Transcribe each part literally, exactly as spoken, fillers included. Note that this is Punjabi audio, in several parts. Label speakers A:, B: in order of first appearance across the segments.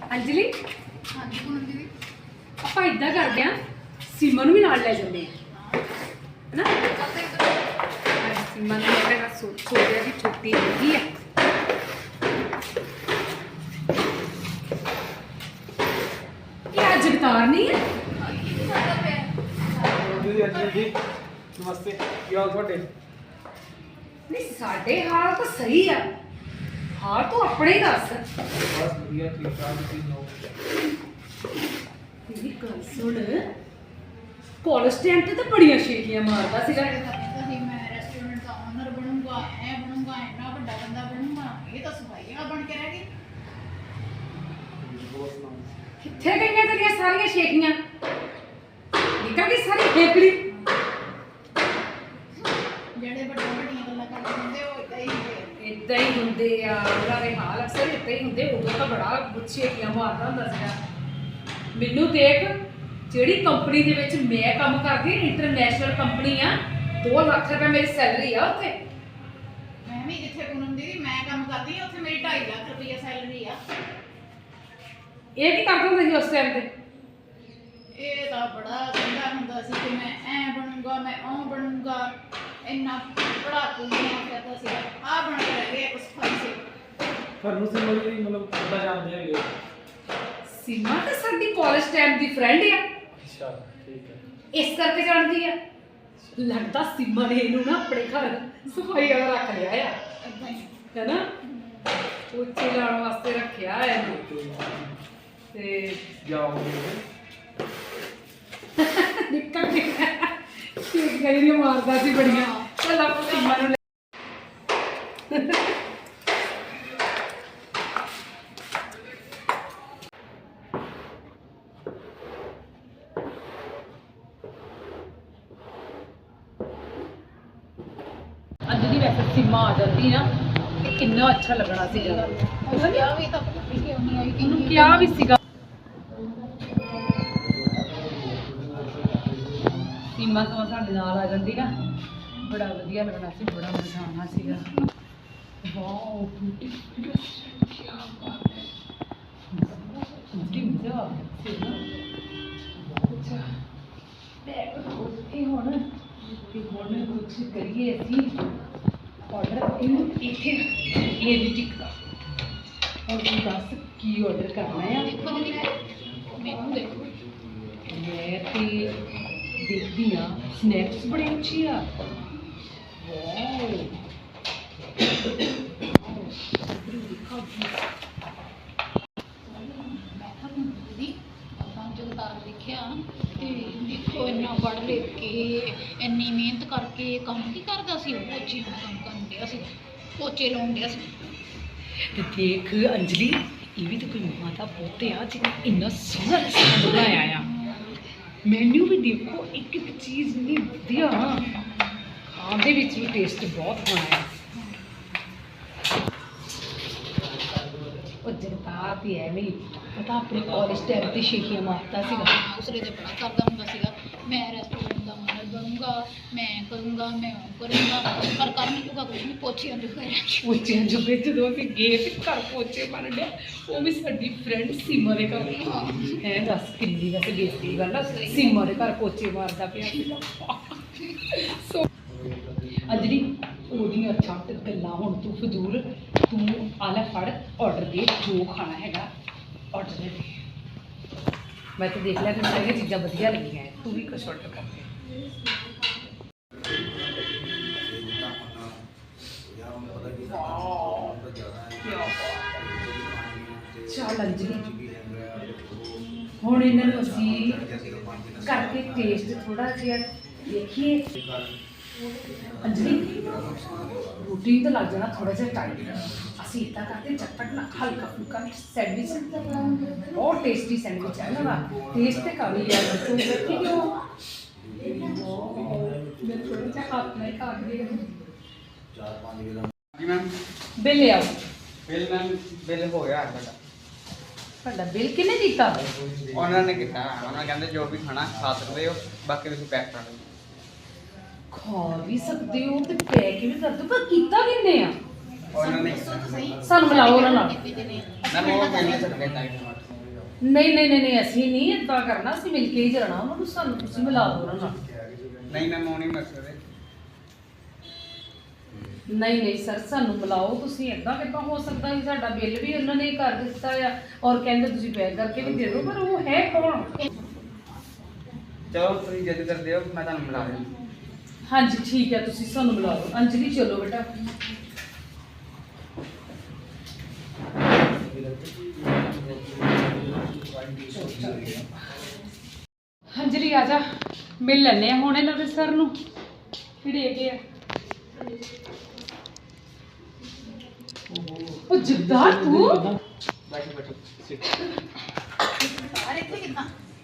A: अंजलि
B: हाँ जी पूनम दीदी
A: ਆਪਾਂ ਇਦਾਂ ਕਰਦੇ ਆ ਸੀਮਾ ਨੂੰ ਵੀ ਨਾਲ ਲੈ ਜਾਂਦੇ ਆ ਹੈਨਾ
B: चलते इधर
A: ਸੀਮਾ ਨੂੰ ਮੇਰਾ ਸੋਚਿਆ ਵੀ ਛੁੱਟੀ ਹੈਗੀ ਆ ਇਹ ਅੱਜ ਜਗਤਾਰ ਨਹੀਂ ਹੈ
C: जी अंजलि जी नमस्ते क्या हाल थोड़े
A: ਨਹੀਂ ਸਾਡੇ ਹਾਲ ਤਾਂ ਸਹੀ ਆ ਹਾਲ ਤੂੰ ਆਪਣੇ ਹੀ ਦੱਸ
C: बस बढ़िया ठीक ठाक तुम सुनाओ
A: ਮੇਰੀ ਗੱਲ ਸੁਣ ਕਾਲਜ ਟਾਈਮ ਤੇ ਤਾਂ ਬੜੀਆਂ ਸ਼ੇਖੀਆਂ ਮਾਰਦਾ ਸੀਗਾ
B: कहीं मैं रेस्टोरेंट का ओनर बनूंगा ऐ बनूंगा इतना बड़ा बंदा बनूंगा ये तो सफाई वाला बन के रह गई
C: और सुनाओ
A: ਕਿੱਥੇ ਗਈਆਂ ਤੇਰੀਆਂ ਸਾਰੀਆਂ ਸ਼ੇਖੀਆਂ ਨਿਕਲ ਗਈ ਸਾਰੀ ਖੇਕੜੀ
B: ਜਿਹੜੇ ਵੱਡੇ ਵੱਡੀਆਂ ਗੱਲਾਂ ਕਰਦੇ ਹੁੰਦੇ ਉਹ ਇਦਾਂ ਹੀ ਹੁੰਦੇ
A: ਇਦਾਂ ਹੀ ਹੁੰਦੇ ਆ ਉਹਨਾਂ ਦੇ ਹਾਲ ਅਕਸਰ ਇਦਾਂ ਹੀ ਹੁੰਦੇ ਉਦੋਂ ਤਾਂ ਬੜਾ ਗੁੱਛੇਕੀਆਂ ਮਾਰਦਾ ਹੁੰਦਾ ਸੀਗਾ ਮੈਨੂੰ ਦੇਖ ਜਿਹੜੀ ਕੰਪਨੀ ਦੇ ਵਿੱਚ ਮੈਂ ਕੰਮ ਕਰਦੀ ਇੰਟਰਨੈਸ਼ਨਲ ਕੰਪਨੀ ਆ ਦੋ ਲੱਖ ਰੁਪਏ ਮੇਰੀ ਸੈਲਰੀ ਆ ਉੱਥੇ
B: ਮੈਂ ਵੀ ਜਿੱਥੇ ਪੂਨਮ ਦੀਦੀ ਮੈਂ ਕੰਮ ਕਰਦੀ ਹਾਂ ਉੱਥੇ ਮੇਰੀ ਢਾਈ ਲੱਖ ਰੁਪਏ ਸੈਲਰੀ ਆ
A: ਇਹ ਕੀ ਕਰਦਾ ਹੁੰਦਾ ਸੀ ਉਸ ਟਾਈਮ ਤੇ
B: ਇਹ ਤਾਂ ਬੜਾ ਕਹਿੰਦਾ ਹੁੰਦਾ ਸੀ ਕਿ ਮੈਂ ਐ ਬਣੂੰਗਾ ਮੈਂ ਉਹ ਬਣੂੰਗਾ ਇੰਨਾ ਪੜਾਕੂ ਬਣਿਆ ਕਰਦਾ ਸੀ ਆ ਬਣ ਕੇ ਰਹਿ ਗਿਆ ਕੁਛ ਫਾਈ
C: ਤੁਹਾਨੂੰ ਸਮਝ ਨਹੀਂ ਮਤਲਬ ਕਿੱਦਾਂ ਜਾਣਦੇ ਹੈਗੇ
A: ਸੀਮਾ ਤਾਂ ਸਾਡੀ ਕਾਲਜ ਟਾਈਮ ਦੀ ਫਰੈਂਡ ਆ
C: ਅੱਛਾ ਠੀਕ ਹੈ
A: ਇਸ ਕਰਕੇ ਜਾਣਦੀ ਆ ਲੱਗਦਾ ਸੀਮਾ ਨੇ ਇਹਨੂੰ ਨਾ ਆਪਣੇ ਘਰ ਸਫਾਈ ਵਾਲਾ ਰੱਖ ਲਿਆ ਆ
B: ਇਦਾਂ ਹੀ
A: ਹੈਨਾ ਉੱਚੇ ਲਾਉਣ ਵਾਸਤੇ ਰੱਖਿਆ ਆ ਇਹਨੂੰ ਤੇ
C: ਜਾਓਗੇ
A: ਨਿਕਲ ਗਿਆ ਠੀਕ ਹੈ ਇਹ ਮਾਰਦਾ ਸੀ ਬੜੀਆਂ ਚੱਲ ਆਪਾਂ ਸੀਮਾ ਨੂੰ ਅੱਜ ਦੀ ਵੈਸੇ ਸੀਮਾ ਆ ਜਾਂਦੀ ਨਾ ਤੇ ਕਿੰਨਾ ਅੱਛਾ ਲੱਗਣਾ ਸੀਗਾ
B: ਉਹ ਕਿਹਾ ਵੀ ਤਾਂ ਪਤਾ ਨਹੀਂ ਕਿਉਂ ਨਹੀਂ ਆਈ ਕਿ
A: ਉਹਨੂੰ ਕਿਹਾ ਵੀ ਸੀਗਾ ਸੀਮਾ ਤੋਂ ਸਾਡੇ ਨਾਲ ਆ ਜਾਂਦੀ ਨਾ ਬੜਾ ਵਧੀਆ ਲੱਗਣਾ ਸੀ ਬੜਾ ਮਜ਼ਾ ਆਉਣਾ ਸੀਗਾ ਵਾਓ ਬੂਟੀ ਕੀ ਬਾਤ ਹੈ ਬੂਟੀ ਮਜ਼ਾ ਆ ਗਿਆ ਅੱਛਾ ਬੈਗ ਇਹ ਹੁਣ ਤੇ ਹੁਣ ਕੁਝ ਕਰੀਏ ਅਸੀਂ ਆਰਡਰ ਇਹਨੂੰ ਇੱਥੇ ਇਹ ਵੀ ਟਿਕਦਾ ਹੁਣ ਤੂੰ ਦੱਸ ਕੀ ਆਰਡਰ ਕਰਨਾ ਆ
B: ਦੇਖੋ ਜੀ ਮੈਨੂੰ ਦੇਖੋ
A: ਮੈਂ ਤੇ ਦੇਖਦੀ ਆ ਸਨੈਕਸ ਬੜੇ ਅੱਛੇ ਆ ਵਾਓ
B: ਮੈਂ ਤਾਂ ਦੀਦੀ ਆਪਾਂ ਜਗਤਾਰ ਦੇਖਿਆ ਤੇ ਦੇਖੋ ਇੰਨਾ ਪੜ੍ਹ ਲਿਖ ਕੇ ਇੰਨੀ ਮਿਹਨਤ ਕਰਕੇ ਕੰਮ ਕੀ ਕਰਦਾ ਸੀ ਉਹ ਪੋਚੇ ਦਾ ਕੰਮ ਕਰਨ ਡਿਆ ਸੀ ਪੋਚੇ ਲਾਉਣ ਡਿਆ ਸੀ
A: ਤੇ ਦੇਖ ਅੰਜਲੀ ਇਹ ਵੀ ਤਾਂ ਕੋਈ ਮਾਤਾ ਪੋਤੇ ਆ ਜਿਹਨੇ ਇੰਨਾ ਸੋਹਣਾ ਰੈਸਟੋਰੈਂਟ ਬਣਾਇਆ ਆ ਮੈਨੂ ਵੀ ਦੇਖੋ ਇੱਕ ਇੱਕ ਚੀਜ਼ ਇੰਨੀ ਵਧੀਆ ਖਾਣ ਦੇ ਵਿੱਚ ਵੀ ਟੇਸਟ ਬਹੁਤ ਹੋਣਾ ਹੈ ਉਹ ਜਗਤਾਰ ਦੀ ਐਵੇਂ ਹੀ ਪਤਾ ਆਪਣੇ ਕਾਲਜ ਟਾਈਮ ਤੇ ਸ਼ੇਖੀਆਂ ਮਾਰਦਾ ਸੀਗਾ
B: ਹਾਂ ਉਸਰੇ ਤੇ ਬੜਾ ਕਰਦਾ ਹੁੰਦਾ ਸੀਗਾ ਮੈਂ ਰੈਸਟੋਰੈਂਟ ਦਾ ਮਾਲਕ ਬਣੂੰਗਾ ਮੈਂ ਕਰੂੰਗਾ ਮੈਂ ਉਹ ਕਰੂੰਗਾ ਪਰ ਕਰ ਨਹੀਂ ਚੁੱਕਾ ਕੁਝ ਨਹੀਂ ਪੋਚੇ ਅੰਦਰ ਹੋਇਆ
A: ਪੋਚਿਆਂ ਜੋ ਜਦੋਂ ਅਸੀਂ ਗਏ ਤੇ ਘਰ ਪੋਚੇ ਬਣ ਡਿਆ ਉਹ ਵੀ ਸਾਡੀ ਫਰੈਂਡ ਸੀਮਾ ਦੇ ਘਰ ਹੈ ਦੱਸ ਕਿੰਨੀ ਵੈਸੇ ਬੇਇੱਜ਼ਤੀ ਗੱਲ ਆ ਸੀਮਾ ਦੇ ਘਰ ਪੋਚੇ ਮਾਰਦਾ ਪਿਆ ਸੀਗਾ ਸੋ ਅਜਰੀ ਉਹਦੀਆਂ ਛੱਟ ਗੱਲਾਂ ਹੁਣ ਤੂੰ ਫਜ਼ੂਲ ਤੂੰ ਆਲਾ ਫੜ ਆਰਡਰ ਦੇ ਜੋ ਖਾਣਾ ਹੈਗਾ ਆਰਡਰ ਦੇ ਦੇ ਮੈਂ ਤਾਂ ਦੇਖ ਲਿਆ ਕਿ ਸਾਰੀਆਂ ਚੀਜ਼ਾਂ ਵਧੀਆ ਲੱਗੀਆਂ ਹੈ ਤੂੰ ਵੀ ਕੁਛ ਆਰਡਰ ਕਰ ਦੇ ਚੱਲ ਅੰਜਲੀ ਹੁਣ ਇਹਨਾਂ ਨੂੰ ਅਸੀਂ ਕਰਕੇ ਟੇਸਟ ਥੋੜਾ ਜਿਹਾ ਦੇਖੀਏ ਅੰਜਲੀ ਰੋਟੀ ਤਾਂ ਲੱਗ ਜਾਣਾ ਥੋੜਾ ਜਿਹਾ ਟਾਈਮ ਅਸੀਂ ਇੱਦਾਂ ਕਰਦੇ ਚਟਪਟ ਨਾ ਹਲਕਾ ਫੁਲਕਾ ਸੈਂਡਵਿਚ ਬਹੁਤ ਟੇਸਟੀ ਸੈਂਡਵਿਚ ਹੈ ਨਾ ਟੇਸਟ ਤੇ ਕਰ ਲਿਆ ਬੱਚੋ ਬੈਠੀ ਕਿਉਂ ਮੈਂ ਥੋੜਾ ਜਿਹਾ ਹੱਥ ਨਾਲ ਖਾ ਕੇ
D: ਚਾਰ ਪੰਜ ਕਿਲੋ
C: ਜੀ ਮੈਮ
A: ਬਿੱਲ ਲਿਆਓ
C: ਬਿੱਲ ਮੈਮ ਬਿੱਲ ਹੋ ਗਿਆ ਤੁਹਾਡਾ
A: ਤੁਹਾਡਾ ਬਿੱਲ ਕਿਹਨੇ ਦਿੱਤਾ
C: ਉਹਨਾਂ ਨੇ ਕੀਤਾ ਉਹਨਾਂ ਕਹਿੰਦੇ ਜੋ ਵੀ ਖਾਣਾ ਖਾ ਸਕਦੇ ਹੋ ਬਾਕੀ ਤੁਸੀਂ ਪੈਕ ਕਰ ਲਓ
A: ਖਾ ਵੀ ਸਕਦੇ ਹੋ ਤੇ ਪੈ ਕਿਵੇਂ ਕਰ ਦੋ ਪਰ ਕੀਤਾ ਕਿੰਨੇ ਆ
C: ਉਹਨਾਂ ਨੇ
B: ਦੱਸੋ ਤਾਂ ਸਹੀ
A: ਸਾਨੂੰ ਮਿਲਾਓ ਉਹਨਾਂ ਨਾਲ
B: ਕਿੰਨੇ ਦੇ ਨੇ
C: ਮੈਂ ਉਹ ਮਿਲ ਨਹੀਂ ਸਕਦੇ ਟਾਈਮ
A: ਨਹੀਂ ਨਹੀਂ ਨਹੀਂ ਨਹੀਂ ਅਸੀਂ ਨਹੀਂ ਇਦਾਂ ਕਰਨਾ, ਅਸੀਂ ਮਿਲ ਕੇ ਹੀ ਜਾਣਾ ਉਹਨਾਂ ਨੂੰ, ਸਾਨੂੰ ਤੁਸੀਂ ਮਿਲਾ ਦਿਓ ਉਹਨਾਂ ਨਾਲ।
C: ਨਹੀਂ ਮੈਂ ਮੋਣੀ ਮਸਲੇ
A: ਨਹੀਂ ਨਹੀਂ ਸਰ ਸਾਨੂੰ ਮਿਲਾਓ ਤੁਸੀਂ, ਇਦਾਂ ਕਿੱਦਾਂ ਹੋ ਸਕਦਾ ਜੀ? ਸਾਡਾ ਬਿੱਲ ਵੀ ਉਹਨਾਂ ਨੇ ਕਰ ਦਿੱਤਾ ਆ ਔਰ ਕਹਿੰਦੇ ਤੁਸੀਂ ਪੈਕ ਕਰਕੇ ਵੀ ਦੇ ਦਿਓ, ਪਰ ਉਹ ਹੈ ਕੌਣ?
C: ਚਲੋ ਤੁਸੀਂ ਜਿੱਦ ਕਰਦੇ ਹੋ ਮੈਂ ਤੁਹਾਨੂੰ ਮਿਲਾ ਦਿੰਦਾ।
A: ਹਾਂਜੀ ਠੀਕ ਹੈ, ਤੁਸੀਂ ਸਾਨੂੰ ਮਿਲਾ ਦਿਓ। ਅੰਜਲੀ ਚਲੋ ਬੇਟਾ। ਅੰਜਲੀ ਆ ਜਾ, ਮਿਲ ਲੈਣੇ ਆ ਹੁਣ ਇਹਨਾਂ ਦੇ ਸਰ ਨੂੰ, ਕਿਹੜੇ ਹੈਗੇ ਆ। ਉਹ ਜਿੱਦਾਂ ਤੂੰ
C: ਬੈਠੋ ਬੈਠੋ ਸਿੱਟ।
B: ਸਾਰੇ ਇੱਥੇ ਕਿੱਦਾਂ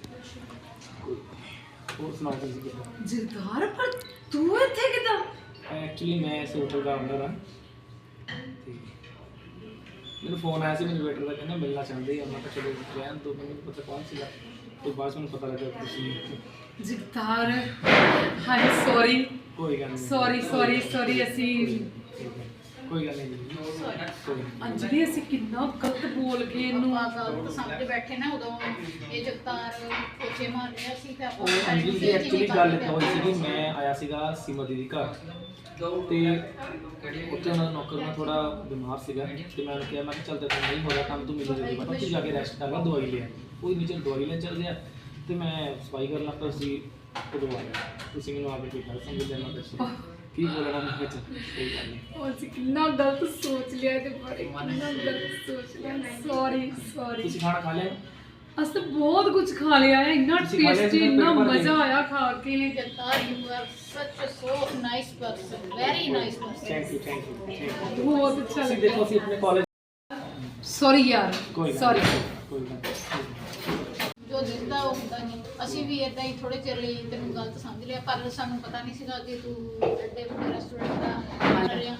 E: ਹੋਰ ਸੁਣਾਓ ਤੁਸੀਂ ਕਿੱਦਾਂ?
A: ਜਰਦਾਰ, ਪਰ ਤੂੰ ਇੱਥੇ ਕਿੱਦਾਂ?
E: ਐਕਚੁਅਲੀ ਮੈਂ ਇਸ ਹੋਟਲ ਦਾ ਓਨਰ ਹਾਂ ਤੇ ਮੈਨੂੰ ਫੋਨ ਆਇਆ ਸੀ ਮੈਨੂੰ ਵੇਟਰ ਦਾ, ਕਹਿੰਦਾ ਮਿਲਣਾ ਚਾਹੁੰਦੇ ਆ। ਮੈਂ ਕਿਹਾ ਚਲੋ ਰਹਿਣ ਦੋ, ਮੈਨੂੰ ਪਤਾ ਕੌਣ ਸੀਗਾ ਤੇ ਬਾਅਦ 'ਚ ਮੈਨੂੰ ਪਤਾ ਲੱਗਾ ਤੁਸੀਂ।
A: ਜਗਤਾਰ ਹਾਂਜੀ ਸੌਰੀ
E: ਕੋਈ ਗੱਲ ਨਹੀਂ,
A: ਸੌਰੀ ਸੌਰੀ ਸੌਰੀ ਅਸੀਂ
E: ਕੋਈ ਗੱਲ ਨਹੀਂ ਜੀ, ਕੋਈ ਨਹੀਂ।
A: ਅੰਜਲੀ ਅਸੀਂ ਕਿੰਨਾ ਗਲਤ ਬੋਲ ਕੇ ਇਹਨੂੰ।
B: ਆ ਗਲਤ ਸਮਝ ਬੈਠੇ ਨਾ, ਉਦੋਂ ਇਹ ਜਗਤਾਰ ਪੋਚੇ ਮਾਰ ਰਿਹਾ ਸੀ ਤੇ ਆਪਾਂ
E: ਉਹ ਅੰਜਲੀ ਦੀ ਐਕਚੁਅਲੀ ਗੱਲ ਇੱਦਾਂ ਹੋਈ ਸੀਗੀ, ਮੈਂ ਆਇਆ ਸੀਗਾ ਸੀਮਾ ਦੀਦੀ ਘਰ ਤੇ ਉੱਥੇ ਉਹਨਾਂ ਦਾ ਨੌਕਰ ਨਾਲ ਥੋੜਾ ਬਿਮਾਰ ਸੀਗਾ ਤੇ ਮੈਂ ਉਹਨੂੰ ਕਿਹਾ, ਮੈਂ ਕਿਹਾ ਚੱਲ ਤੇ ਨਹੀਂ ਹੋ ਰਿਹਾ ਕੰਮ, ਤੂੰ ਮੈਨੂੰ ਜਲਦੀ ਬਤਾ, ਤੂੰ ਜਾ ਕੇ ਰੈਸਟ ਕਰ ਲੈ, ਦਵਾਈ ਲੈ। ਉਹਦੇ ਨੀਚੇ ਦਵਾਈ ਲੈਣ ਚੱਲ ਗਿਆ ਤੇ ਮੈਂ ਸਫਾਈ ਕਰਨ ਲੱਗ ਪਿਆ ਸੀ, ਉਦੋਂ ਆ ਗਿਆ ਤੁਸੀਂ ਮੈਨੂੰ ਆ ਕੇ ਕੋਈ ਗੱਲ ਸਮਝ ਲੈਣਾ ਦੱਸੋ ਕੀ ਬੋਲਣਾ ਮੈਂ ਵਿੱਚ। ਕੋਈ ਗੱਲ ਨਹੀਂ,
A: ਉਹ ਅਸੀਂ ਕਿੰਨਾ ਗਲਤ ਸੋਚ ਲਿਆ ਤੇ ਬਾਰੇ ਕਿੰਨਾ ਗਲਤ ਸੋਚ ਲਿਆ। Sorry sorry.
E: ਤੁਸੀਂ ਖਾਣਾ ਖਾ ਲਿਆ?
A: ਅਸੀਂ ਤਾਂ ਬਹੁਤ ਕੁਝ ਖਾ ਲਿਆ ਹੈ, ਇੰਨਾ
E: ਤੁਸੀਂ ਖਾ ਲਿਆ
A: ਟੇਸਟੀ,
E: ਸੀ,
A: ਇੰਨਾ
E: ਪੇਟ ਭਰ ਕੇ?
A: ਮਜ਼ਾ ਆਇਆ ਖਾ ਕੇ।
B: Jagtar you are such so nice person, very nice person.
E: Thank you thank you thank you.
A: ਬਹੁਤ ਅੱਛਾ
E: ਤੁਸੀਂ
A: ਲੱਗਾ।
E: ਦੇਖੋ ਅਸੀਂ ਆਪਣੇ ਕਾਲਜ
A: ਸੌਰੀ ਯਾਰ,
E: ਕੋਈ ਗੱਲ
A: ਸੌਰੀ।
E: ਨਹੀਂ, ਕੋਈ ਗੱਲ ਨਹੀਂ।
B: ਜੋ ਦਿਖਦਾ ਉਹ ਹੁੰਦਾ ਨਹੀਂ। ਅਸੀਂ ਵੀ ਇਦਾਂ ਹੀ ਥੋੜੇ ਚਿਰ ਲਈ ਤੈਨੂੰ ਗਲਤ ਸਮਝ ਲਿਆ, ਪਰ ਸਾਨੂੰ ਪਤਾ ਨਹੀਂ ਸੀਗਾ ਕਿ ਤੂੰ ਐਡੇ ਵੱਡੇ ਰੈਸਟੋਰੈਂਟ ਦਾ ਓਨਰ ਆ।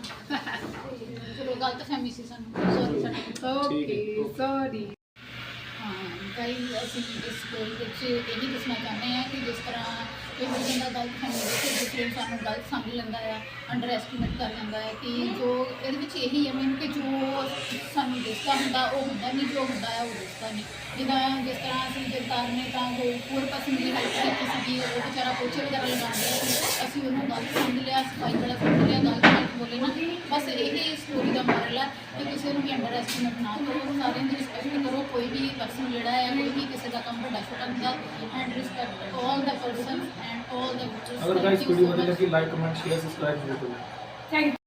B: ਚਲੋ ਗਲਤ ਫਹਿਮੀ ਸੀ ਸਾਨੂੰ, ਸੌਰੀ ਸਾਡੀ।
A: Okay sorry.
B: ਹਾਂ ਕਈ ਅਸੀਂ ਇਸ ਸਟੋਰੀ ਵਿੱਚ ਇਹ ਵੀ ਦੱਸਣਾ ਚਾਹੁੰਦੇ ਹਾਂ ਕਿ ਜਿਸ ਤਰ੍ਹਾਂ ਕੋਈ ਬੰਦਾ ਗਲਤ ਫਹਿਮੀ ਵਿੱਚ ਦੂਸਰੇ ਨੂੰ ਸਾਨੂੰ ਗਲਤ ਸਮਝ ਲੈਂਦਾ ਆ, ਅੰਡਰ ਐਸਟੀਮੇਟ ਕਰ ਲੈਂਦਾ ਹੈ, ਕਿ ਜੋ ਇਹਦੇ ਵਿੱਚ ਇਹੀ ਹੈ ਮੈਨੂੰ ਕਿ ਜੋ ਸਾਨੂੰ ਦਿਸਦਾ ਹੁੰਦਾ ਉਹ ਹੁੰਦਾ ਨਹੀਂ, ਜੋ ਹੁੰਦਾ ਹੈ ਉਹ ਦਿਸਦਾ ਨਹੀਂ। ਜਿੱਦਾਂ ਜਿਸ ਤਰ੍ਹਾਂ ਅਸੀਂ ਜਗਤਾਰ ਨੇ ਤਾਂ ਕੋਈ ਪੂਰ ਪਸੰਦ ਦੀ ਹੈਲਪ ਕੀਤੀ ਸੀਗੀ, ਉਹ ਵਿਚਾਰਾ ਪੋਚੇ ਵਗੈਰਾ ਲਗਾਉਂਦਾ ਸੀ, ਅਸੀਂ ਉਹਨੂੰ ਗਲਤ ਸਮਝ ਲਿਆ, ਸਫਾਈ ਵਾਲਾ ਸਮਝ ਲਿਆ, ਗਲਤ ਗਲਤ ਬੋਲੇ ਨਾ। ਬਸ ਇਹ ਸਟੋਰੀ ਦਾ ਮੋਰਲ ਹੈ ਕਿ ਕਿਸੇ ਨੂੰ ਵੀ ਅੰਡਰ ਐਸਟੀਮੇਟ ਨਾ ਕਰੋ, ਸਾਰਿਆਂ ਦੀ ਰਿਸਪੈਕਟ ਕਰੋ। ਕੋਈ ਵੀ ਪਰਸਨ ਜਿਹੜਾ ਹੈ ਕੋਈ ਵੀ ਕਿਸੇ ਦਾ ਕੰਮ ਵੱਡਾ ਛੋਟਾ ਹੁੰਦਾ, and respect all the person and all the
E: अगर गाइस वीडियो अच्छी लगी लाइक कमेंट शेयर सब्सक्राइब जरूर करें।
A: ਥੈਂਕ